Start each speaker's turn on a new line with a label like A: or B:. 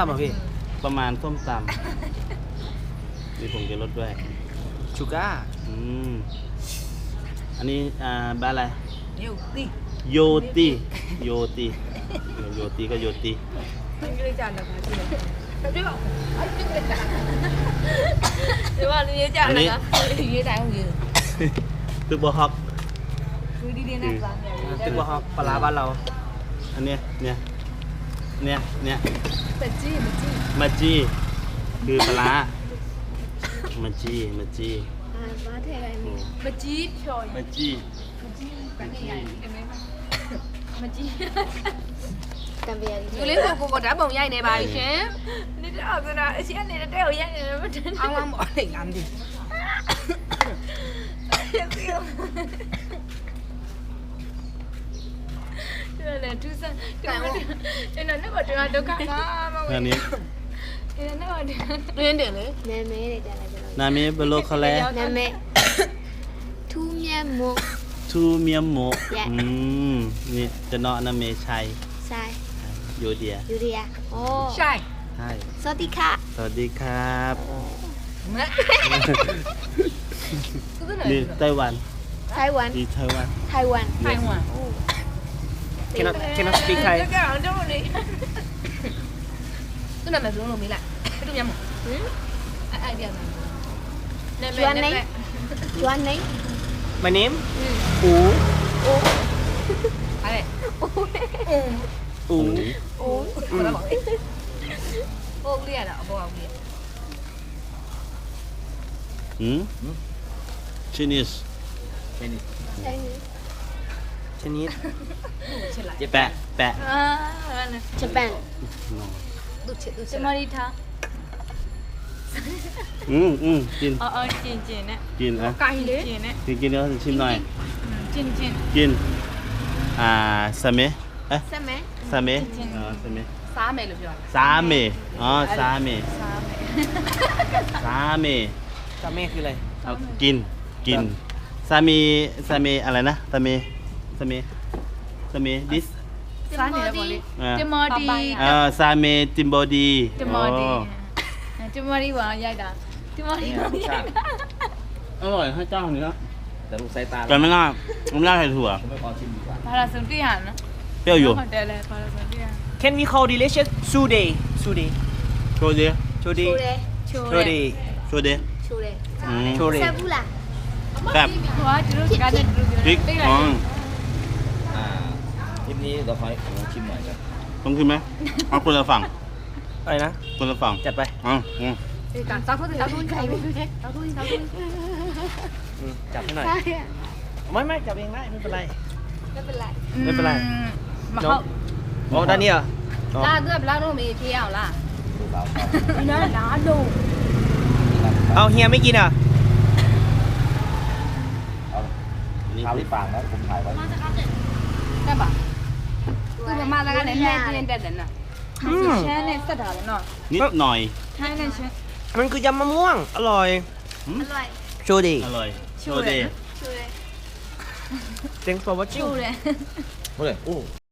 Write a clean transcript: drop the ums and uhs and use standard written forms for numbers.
A: ตำเหรอพี่
B: ประมาณส้มตำมีผงชูรสด้วย
A: ชูก้า
B: อันนี้บ้านอะไร
C: เดี๋ยวดิ
B: โยตีโยตีโยตีก็โยตี
C: มันก็เลยจานนะคะที่เลยเดี๋ยวไอ้จุ๊กเลยจานเดี๋ยวว่าเรียนจานนะคะเรียนจานของยืน
B: ตึกบอฮอก
C: คือดีๆนะร้านเนี่ย
A: ตึกบะฮอกปลาร้าบ้านเรา
B: อันเนี้ย
C: เป็ดจี้เป็ดจี้
B: มาจีคือปลาร้ามาจี
C: เป็ดจี้พลอย
B: มาจี
C: กันใหญ่เห็นไหมเป็ดจี้
D: Cambiar.
C: อยู่เลยพวกกูđã bồng dây này bà chứ đi đó rồi đó chị anh này nó đeo dây này nó trên ông ăn bỏ để làm gì đây là chú sinh đây là nó mà trường đâu cả nó
B: อันนี้
C: đây là nó mà lên được nữa
D: Name để trả lại cho nó.
B: นามิเบโลคาเล
D: Name. Thu miên một.
B: ทูเมียมโม
D: Yeah.
B: นี่จะเนาะนาเมชัย
D: Sai.
B: โยเดีย
D: Yuria. Oh.
C: sai
B: ใช่
D: Sotika.
B: สวัสดีครับ
C: cứ thế
B: นี่
C: này
B: ไต้หวัน
D: Taiwan.
B: ดีไต้หวัน
D: Taiwan.
C: hai ngoài
A: Cannot speak Thai.
C: cái ở đâu đi cái này mày xuống luôn mỹ lại cái tôi nhầm một ai đi này
D: Chuan đấy. Chuan đấy.
A: My name? อู
C: ai đây
A: อู
D: Oh.
C: cô đã bỏ đi cô đi à đó cô không đi
B: ชินิส
D: Chinese.
A: ชนิด
C: chết lại
B: แปะแปะ
D: Japan.
C: đút chết đút chết
E: Cho đi thả.
B: กิน
E: Chín chín đấy.
B: กินอ่ะ
C: cay đấy
E: Chín đấy.
B: กินแล้วชิมหน่อย
E: Chín chín.
B: กินซาเมะเอ๊ะ
D: Same.
B: ซาเมะ
E: จริง
B: ซาเมะ
C: xá mày được chưa
B: ซาเมะอ๋อซาเมะ
E: Sao vậy?
B: ซาเมะ
A: ซาเม่คืออะไร
B: เอากินซาเมซาเมอะไรนะซาเมซาเมซาเมดิส
C: xá này là bỏ đi
E: จะมอดี
B: ซาเมติมบอดี
E: จะมอดีจะมอดีหวานใหญ่ด่าจะมอดีหวานใหญ่ด่า
B: อร่อยให้เจ้าเนื้อ
A: แต่ลูกสายตา
B: แต่ไม่น่าใส่ถั่ว
A: ไม่พอชิมดีกว่า
E: พาราสุนทรีหันนะ
B: เปรี้ยวอยู่
E: เดี๋ยวเลยพาราสุนทรีหัน
A: Can we call delicious Sude? Sude.
B: โชว์ดิ
A: Sude.
D: Chule.
E: ชูเล
A: Sude.
E: ย
B: โชว์ดิ
D: Chule.
A: โชเร
D: Sabula.
B: แบบ
E: หัวจุดการจะดู
B: พริก
E: ได้
B: อ๋อ
F: คลิปนี้เราขอให้ผมชิมหน่อยครับ
B: ต้องกินไหมเอาคนละฝั่ง
A: อะไรนะ
B: คนละฝั่ง
A: จัดไป
C: thì cả tao thôi tao thôi tao thôi tao thôi
A: จับให้หน่อย
D: Sai à?
A: ไม่จับเองได้ไม่เป็นไร
D: Nó bên lại.
A: ไม่เป็นไร
E: มาเขา
A: อ๋อด้านนี้เหรออ๋อ
C: la đưa la nó mày theo là
F: ดูเราครับ
C: nó là đá đồ
A: เอาเฮียไม่กินเหรอ
F: เอาข้าวที่ปากนะผมถ่ายไว้
C: cái bảo cứ mà mang ra cái này lên lên đèn nè
E: แช่ในสถานเนาะ
B: นิดหน่อย
E: ใช่ในแช่
A: มันคือยำมะม่วง อร่อย
D: Alright.
A: โชดี
B: อร่อยโชว์ดิ
D: Chule.
A: Thanks for watching
E: ชูเลย
F: เฮ้ยโอ้